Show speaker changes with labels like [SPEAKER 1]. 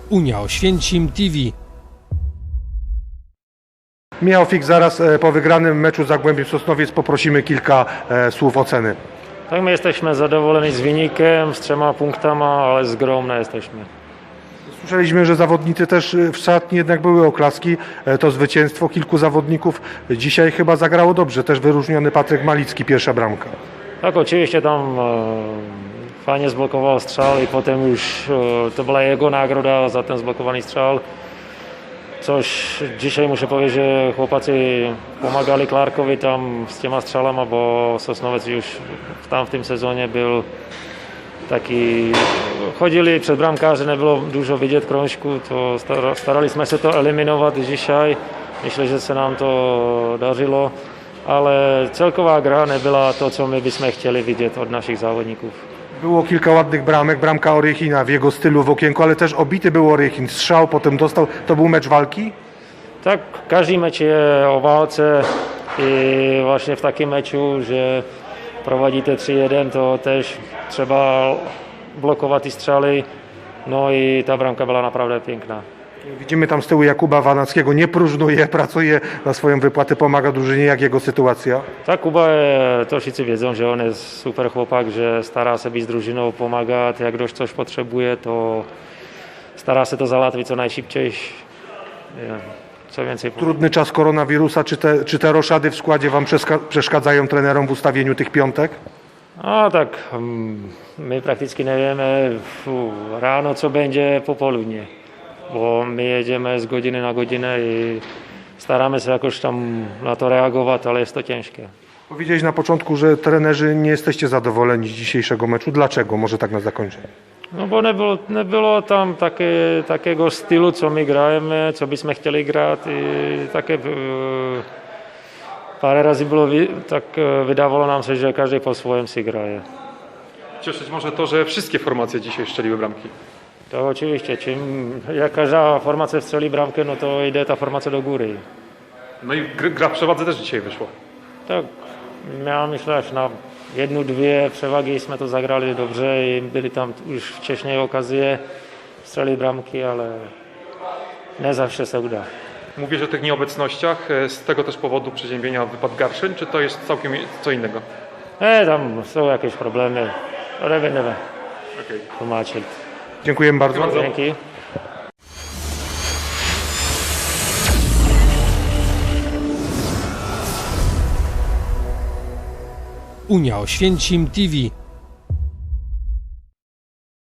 [SPEAKER 1] Unia Oświęcim TV.
[SPEAKER 2] Michał Fik, zaraz po wygranym meczu z Zagłębiem Sosnowiec poprosimy kilka słów oceny.
[SPEAKER 3] Tak, my jesteśmy zadowoleni z wynikiem, z 3 punktami, ale zgromne jesteśmy.
[SPEAKER 2] Słyszeliśmy, że zawodnicy też w szatni jednak były oklaski. To zwycięstwo kilku zawodników dzisiaj chyba zagrało dobrze. Też wyróżniony Patryk Malicki, pierwsza bramka.
[SPEAKER 3] Tak, oczywiście tam fajnie zblokował strzał i potem już to była jego nagroda za ten zblokowany strzał. Coś dzisiaj muszę powiedzieć, że chłopacy pomagali Clarkowi tam z tyma strzałami, bo Sosnowiec już w tym sezonie był taki, chodzili przed bramkarzy, nie było dużo widzieć krążku, to staraliśmy się to eliminować dzisiaj. Myślę, że się nam to darzyło, ale celková gra nie była to, co my byśmy chcieli widzieć od naszych zawodników.
[SPEAKER 2] Było kilka ładnych bramek, bramka Orychina w jego stylu w okienku, ale też obity był Orychin, strzał potem dostał. To był mecz walki?
[SPEAKER 3] Tak, każdy mecz jest o walce i właśnie w takim meczu, że prowadzicie 3-1, to też trzeba blokować i strzeli. No i ta bramka była naprawdę piękna.
[SPEAKER 2] Widzimy tam z tyłu Jakuba Wanackiego, nie próżnuje, pracuje na swoją wypłatę, pomaga drużynie. Jak jego sytuacja?
[SPEAKER 3] Tak, Kuba, to wszyscy wiedzą, że on jest super chłopak, że stara się być z drużyną, pomagać. Jak ktoś coś potrzebuje, to stara się to załatwić co najszybciej. Co więcej
[SPEAKER 2] Trudny czas koronawirusa, czy te roszady w składzie wam przeszkadzają trenerom w ustawieniu tych piątek?
[SPEAKER 3] No tak, my praktycznie nie wiemy rano, co będzie po południe, bo my jedziemy z godziny na godzinę i staramy się jakoś tam na to reagować, ale jest to ciężkie.
[SPEAKER 2] Powiedziałeś na początku, że trenerzy nie jesteście zadowoleni z dzisiejszego meczu. Dlaczego? Może tak na zakończenie.
[SPEAKER 3] No bo nie było tam takiego stylu, co my gramy, co byśmy chcieli grać i takie parę razy było, tak wydawało nam się, że każdy po swoim się graje.
[SPEAKER 4] Cieszyć może to, że wszystkie formacje dzisiaj strzeliły bramki.
[SPEAKER 3] To oczywiście, jak każda formacja strzeli bramkę, no to idzie ta formacja do góry.
[SPEAKER 4] No i gra w przewadze też dzisiaj wyszła.
[SPEAKER 3] Tak, miałem myślę, że na 1-2 przewagi to zagrali dobrze i byli tam już wcześniej okazje strzeli bramki, ale nie zawsze się uda.
[SPEAKER 4] Mówię, że o tych nieobecnościach, z tego też powodu przeziębienia wypadł Garszyn, czy to jest całkiem co innego?
[SPEAKER 3] Tam są jakieś problemy, ale nie wiem tłumaczyć.
[SPEAKER 2] Dziękujemy bardzo.
[SPEAKER 3] Dzięki.
[SPEAKER 1] Unia Oświęcim TV.